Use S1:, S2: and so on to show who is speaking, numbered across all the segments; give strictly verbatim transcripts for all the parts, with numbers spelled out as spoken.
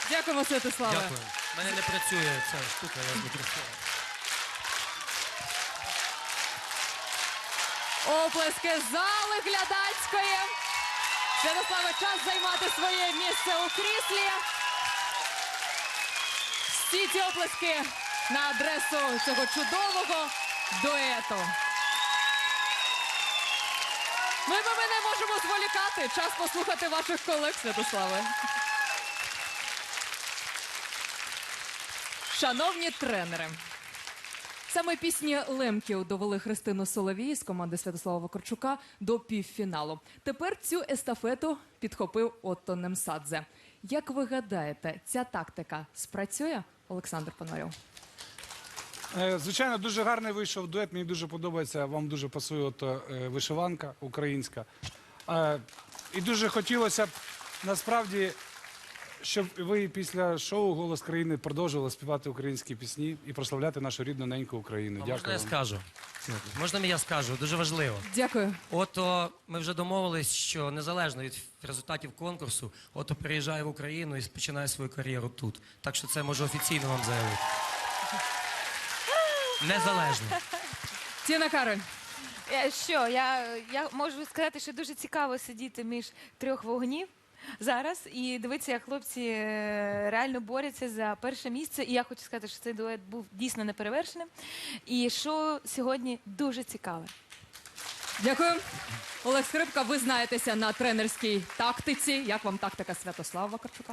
S1: Дякуємо, Святославе.
S2: Дякую. У мене не працює ця штука, я не працюю.
S1: Оплески зали глядацької. Святославе, час займати своє місце у кріслі. Всі ці оплески на адресу цього чудового дуету. Ми, ми не можемо зволікати. Час послухати ваших колег, Святославе. Шановні тренери, саме пісні Лемків довели Христину Соловій з команди Святослава Вакарчука до півфіналу. Тепер цю естафету підхопив Отто Немсадзе. Як ви гадаєте, ця тактика спрацює, Олександр Пономарьов?
S3: Звичайно, дуже гарний вийшов дует, мені дуже подобається, вам дуже пасує от, е, вишиванка українська. Е, І дуже хотілося б, насправді, щоб ви після шоу «Голос країни» продовжували співати українські пісні і прославляти нашу рідну неньку Україну.
S2: А
S3: Дякую
S2: можна я
S3: вам.
S2: скажу? Можна я скажу? Дуже важливо.
S1: Дякую.
S2: Ото ми вже домовились, що незалежно від результатів конкурсу, Ото переїжджає в Україну і починає свою кар'єру тут. Так що це можу офіційно вам заявити. Незалежно.
S1: Тіна Кароль.
S4: Е, Що, я, я можу сказати, що дуже цікаво сидіти між трьох вогнів зараз і дивитися, як хлопці е, реально борються за перше місце. І я хочу сказати, що цей дует був дійсно неперевершеним. І шоу сьогодні дуже цікаве.
S1: Дякую. Олег Скрипка, ви знаєтеся на тренерській тактиці. Як вам тактика Святослава Вакарчука?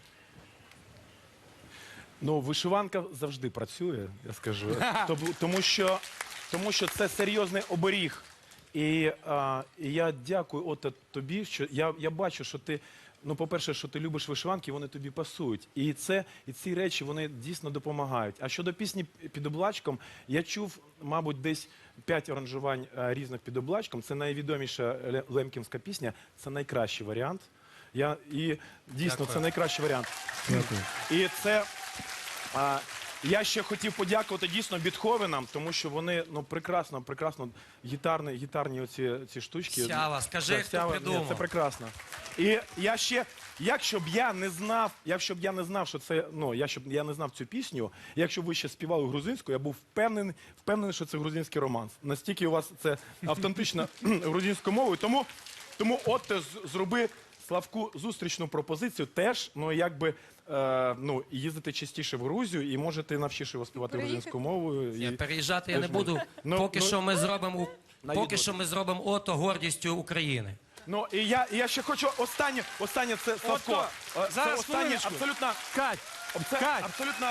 S5: Ну, вишиванка завжди працює, я скажу. Тому, тому, що, тому що це серйозний оберіг. І, а, і я дякую Отто тобі, що я, я бачу, що ти, ну, по-перше, що ти любиш вишиванки, вони тобі пасують. І, це, і ці речі, вони дійсно допомагають. А щодо пісні «Під облачком», я чув, мабуть, десь п'ять аранжувань а, різних «Під облачком». Це найвідоміша ле- лемківська пісня, це найкращий варіант. Я, і дійсно,
S2: Дякую.
S5: це найкращий варіант. І це... А, я ще хотів подякувати дійсно Бетховенам, тому що вони ну, прекрасно, прекрасно гітарні, гітарні оці, ці штучки.
S2: Сява, скажи,
S5: Це
S2: хто
S5: Сява,
S2: придумав.
S5: ні, це прекрасно. І я ще, якщо б я не знав, якщо б я не знав, що це, ну, я щоб я не знав цю пісню, якщо б ви ще співали грузинською, я був впевнений, впевнений, що це грузинський романс. Настільки у вас це автентична грузинською мовою, тому, тому от з- зроби Славку зустрічну пропозицію теж, ну, якби, е, ну, їздити частіше в Грузію і можете навчиш його співати
S4: Приїхати.
S5: грузинською мовою.
S2: Ні,
S5: І...
S2: переїжджати я не
S5: Теж ми-
S2: буду,
S5: Ну,
S2: поки
S5: ну,
S2: що ми зробимо, поки
S5: навідувати.
S2: що ми зробимо Ото гордістю України.
S5: Ну, і я, і я ще хочу останнє, останнє це Славко.
S3: Отто,
S5: Е, Це
S3: зараз
S5: останнє
S3: хвилиночку.
S5: абсолютно,
S3: Кать,
S5: це
S3: Кать.
S5: абсолютно,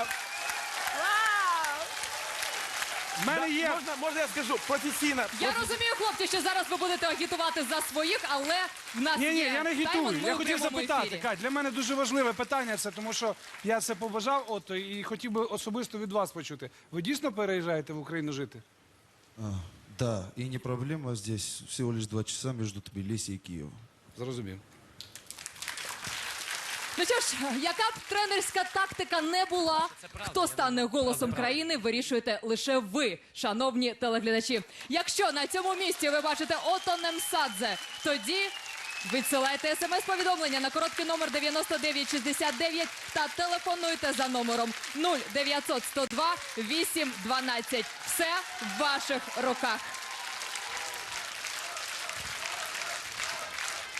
S3: в мене є...
S5: можна, можна я скажу, професійна.
S1: Я розумію, хлопці, що зараз ви будете агітувати за своїх, але в нас
S3: Ні, ні,
S1: є
S3: я не
S1: тайминг,
S3: агітую.
S1: ми
S3: Я
S1: у
S3: хотів
S1: прямому
S3: запитати,
S1: ефірі.
S3: Кать, для мене дуже важливе питання це, тому що я це побажав, Отто, і хотів би особисто від вас почути. Ви дійсно переїжджаєте в Україну жити?
S6: А, да, и не проблема здесь, всего лишь два часа между Тбилиси и Киевом.
S3: Зрозумів.
S1: Ну що ж, яка б тренерська тактика не була, хто стане голосом країни, вирішуєте лише ви, шановні телеглядачі. Якщо на цьому місці ви бачите Отто Немсадзе, тоді відсилайте смс-повідомлення на короткий номер дев'яносто дев'ять шістдесят дев'ять та телефонуйте за номером нуль дев'ятсот сто два вісім дванадцять. Все в ваших руках.